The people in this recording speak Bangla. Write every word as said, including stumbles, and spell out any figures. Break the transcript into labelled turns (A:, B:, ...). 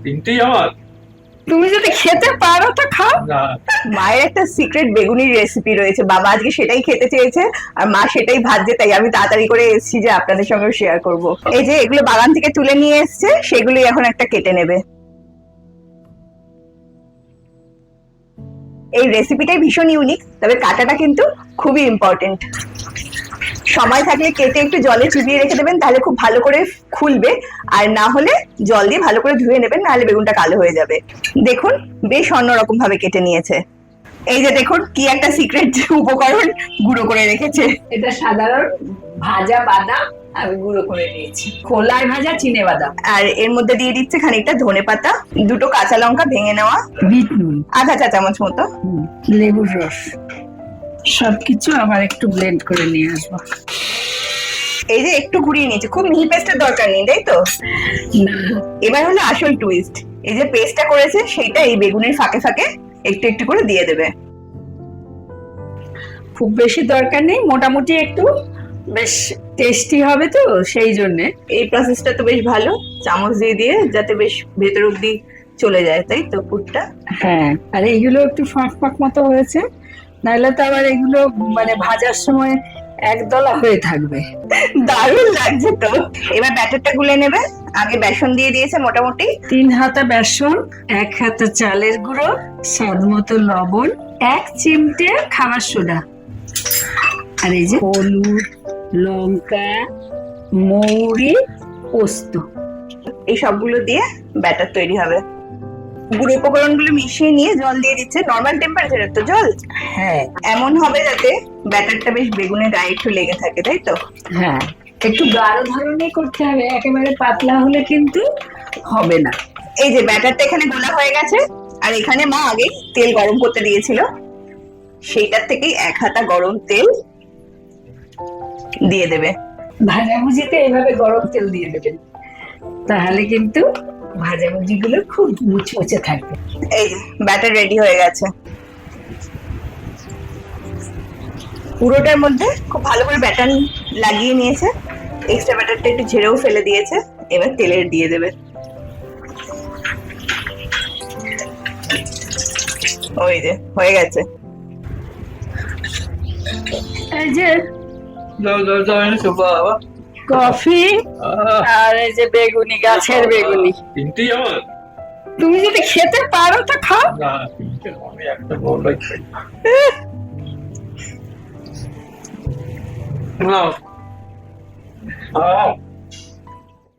A: তিনটেই আমার।
B: তুমি যদি খেতে পারো তো খাও।
A: না,
B: মায়ের একটা সিক্রেট বেগুনির রেসিপি রয়েছে, বাবা আজকে সেটাই খেতে চেয়েছে আর মা সেটাই ভাজছে, তাই আমি তাড়াতাড়ি করে এসেছি যে আপনাদের সঙ্গে শেয়ার করব। এই যে এগুলো বাগান থেকে তুলে নিয়ে এসছে, সেগুলোই এখন একটা কেটে নেবে। এই রেসিপিটাই ভীষণ ইউনিক, তবে কাটাটা কিন্তু খুবই ইম্পর্টেন্ট। সময় থাকলে কেটে একটু জলে চুবিয়ে রেখে দেবেন, তাহলে খুব ভালো করে খুলবে। আর না হলে জল দিয়ে ভালো করে ধুয়ে নেবেন, নাহলে বেগুনটা কালো হয়ে যাবে। দেখুন বেশ অন্যরকম ভাবে কেটে নিয়েছে। এই যে দেখুন কি একটা সিক্রেট উপকরণ গুঁড়ো করে রেখেছে।
C: এটা সাধারণ ভাজা বাদাম আমি গুঁড়ো করে নিয়েছি, খোলায় ভাজা চিনে বাদাম।
B: আর এর মধ্যে দিয়ে দিচ্ছে খানিকটা ধনে পাতা, দুটো কাঁচা লঙ্কা ভেঙে নেওয়া,
C: বিট নুন,
B: আধা চা চামচ মতো,
C: লেবুর রস, সবকিছু আবার একটু ব্লেন্ড করে নিয়ে আসবো।
B: এই যে একটু ঘুরিয়ে নিয়েছে, খুব মিহি পেস্টের দরকার নেই, তাই তো?
C: না,
B: এবার হলো আসল টুইস্ট। এই যে পেস্টটা করেছে সেটা এই বেগুনের ফাঁকে ফাঁকে একটু একটু করে দিয়ে দেবে।
C: খুব বেশি দরকার নেই, মোটামুটি একটু বেশ টেস্টি হবে তো সেই জন্যে।
B: এই প্রসেসটা তো বেশ ভালো, চামচ দিয়ে দিয়ে যাতে বেশ ভেতর অব্দি চলে যায়, তাই তো পুরটা?
C: হ্যাঁ, আর এইগুলো একটু ফাঁক ফাঁক মতো হয়েছে, নাহলে তো আবার এগুলো মানে ভাজার সময় একদলা হয়ে থাকবে।
B: দারুণ লাগছে তো। এবার ব্যাটারটা গুলে নেবে। আগে বেসন দিয়ে দিয়েছে মোটামুটি
C: তিন হাতা বেসন, এক হাতা চালের গুঁড়ো, স্বাদ মতো লবণ, এক চিমটে খাবার সোডা, আর এই যে হলুদ, লঙ্কা, মৌরি, পোস্ত।
B: এই সবগুলো দিয়ে ব্যাটার তৈরি হবে। গুঁড়ো উপকরণগুলো মিশিয়ে নিয়ে জল দিয়ে দিচ্ছে, নর্মাল টেম্পারেচারের তো জল।
C: হ্যাঁ
B: এমন হবে যাতে ব্যাটারটা বেশ বেগুনের গায়ে একটু লেগে থাকে, তাই তো?
C: হ্যাঁ, একটু গাঢ় ধরনের করতে হবে, একেবারে পাতলা হলে কিন্তু হবে না।
B: এই যে ব্যাটারটা এখানে গোলা হয়ে গেছে, আর এখানে মা আগে তেল গরম করতে দিয়েছিল, সেইটার থেকেই এক হাতা গরম তেল দিয়ে দেবে।
C: ভাজাভুজিতে এভাবে গরম তেল দিয়ে দেবেন, তাহলে কিন্তু ভাজাভুজি গুলো খুব মুচমুচে থাকবে।
B: এই যে ব্যাটার রেডি হয়ে গেছে। পুরোটার মধ্যে খুব ভালো করে ব্যাটার লাগিয়ে নিয়েছে, এক্সট্রা ব্যাটারটা একটু ঝেড়েও ফেলে দিয়েছে। এবার তেলের দিয়ে দেবে। ওই যে হয়ে গেছে।
C: এই যে
A: যাও যাও যাও এনেছো বাবা।
C: কফি
A: আহ,
C: আর এই যে বেগুনি, গাছের বেগুনি।
A: তিনটেই আমার।
C: তুমি যদি খেতে পারো তো খাও।
A: না, তিনটে আমি একটা বড়ই খাই। নাও। আহ